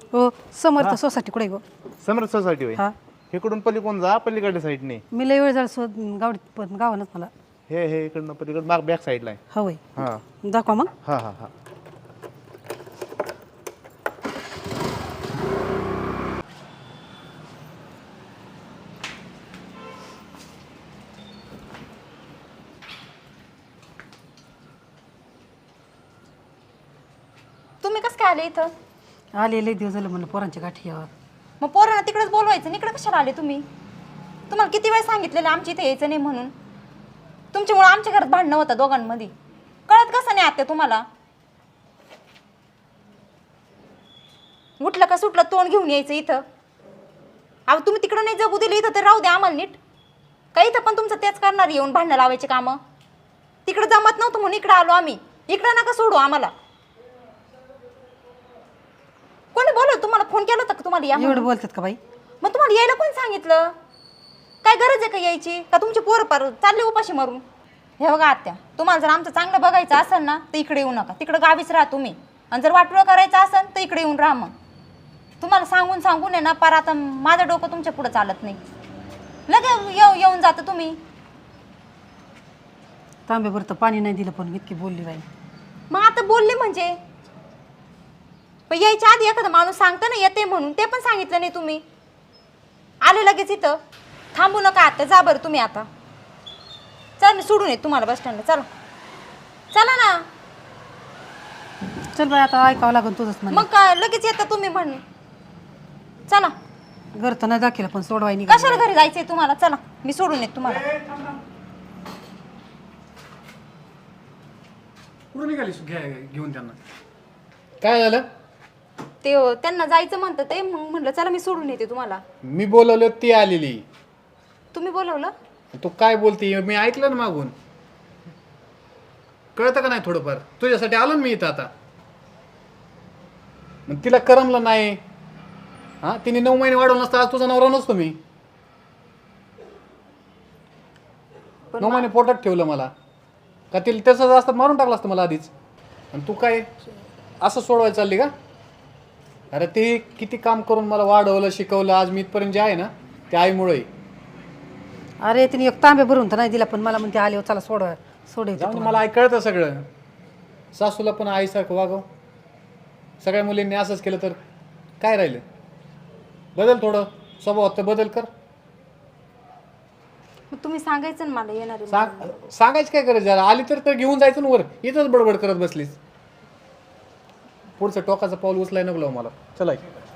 हो समर्थ सोसायटी कुठे गो समर्थ सोसायटी होय हा इकडून पलीकडून जा पलीकडल्या साईडने मी लय वेळ झाला शोध गावडीत गावानच मला हे इकडनं पलीकडं माग बॅक साईडला आहे हवंय हां दाखवा मग हां हां हां तुम्ही कसं काय आले इथं? आले लय दिवस झालं म्हणलं पोरांच्या गाठी यावं मग पोरांना तिकडेच बोलवायचं इकडे कशाला आले तुम्ही? तुम्हाला किती वेळ सांगितलेलं आमच्या इथे यायचं नाही म्हणून. तुमच्यामुळे आमच्या घरात भांडणं होतं दोघांमध्ये. कळत कसं नाही आत्या तुम्हाला? उठलं का सुटलं तोंड घेऊन यायचं इथं. अहो तुम्ही तिकडं नाही जगू दिलं इथं तर राहू द्या आम्हाला नीट. का इथं पण तुमचं तेच करणार येऊन भांडणं लावायचे कामं? तिकडं जमत नव्हतं म्हणून इकडं आलो आम्ही. इकडं नका सोडू आम्हाला. कोणी बोलव तुम्हाला फोन केला होता का तुम्हाला या एवढं बोलतात का बाई मग तुम्हाला यायला कोण सांगितलं? काय गरज आहे का यायची? का तुमची पोरं पार चालले उपाशी मारून? हे बघा आत्या तुम्हाला जर आमचं चांगलं बघायचं असेल ना तर इकडे येऊ नका. तिकडं गावीच राहा तुम्ही. आणि जर वाटोळं करायचं असेल तर इकडे येऊन राहा मग. तुम्हाला सांगून सांगून आहे ना पार आता माझं डोकं तुमच्या पुढं चालत नाही. लगे येऊन जातं तुम्ही. तांब्यावर तर पाणी नाही दिलं पण इतकी बोलली बाई मग आता बोलले म्हणजे पण यायच्या आधी एखादा माणूस सांगतं ना येते म्हणून ते पण सांगितलं नाही तुम्ही. आले लगेच इथं. थांबू नका आता जा बरं तुम्ही आता. चल मी सोडून येत तुम्हाला बस स्टँडला. चला चला ना. चल बाई आता ऐकावं लागेल तुझंच म्हण मग काय लगेच येता तुम्ही म्हणून. चला घर तर नाही दाखिलं पण सोडवाय नाही कशाला घरी जायचंय तुम्हाला? चला मी सोडून येत तुम्हाला. कुठं निघाली घेऊन त्यांना काय झालं? ते त्यांना जायचं म्हणतं ते मग म्हटलं चला मी सोडून येते तुम्हाला. मी बोलवलं ती आलेली. तुम्ही बोलवलं? तू काय बोलते मी ऐकलं ना मागून. कळतं का नाही थोडंफार? तुझ्यासाठी आलो ना मी इथं आता. मग तिला करमलं नाही. हा तिने 9 महिने वाढवलं नसतं आज तुझा नवरा नसतो मी. 9 महिने पोटात ठेवलं मला. का तिला त्याचं जास्त मारून टाकलं असतं मला आधीच. आणि तू काय असं सोडवायला चालली का? अरे ते किती काम करून मला वाढवलं शिकवलं आज मी इथपर्यंत जे आहे ना ते आईमुळे. अरे तिने एक तांबे भरून तर नाही दिला पण मला म्हणते आले चला सोडायचं जाऊन मला कळतं सगळं. सासूला पण आईसारखं वागव. सगळ्या मुलींनी असंच केलं तर काय राहिलं? बदल थोडं स्वभावात तर बदल कर. मग तुम्ही सांगायचं ना मला येणार आहे. सांगायची काय गरज आहे? आली तर घेऊन जायचं ना वर. इथंच बडबड करत बसलीस. पुढचं टोकाचं पाऊल उचलाय नको लावू मला. चला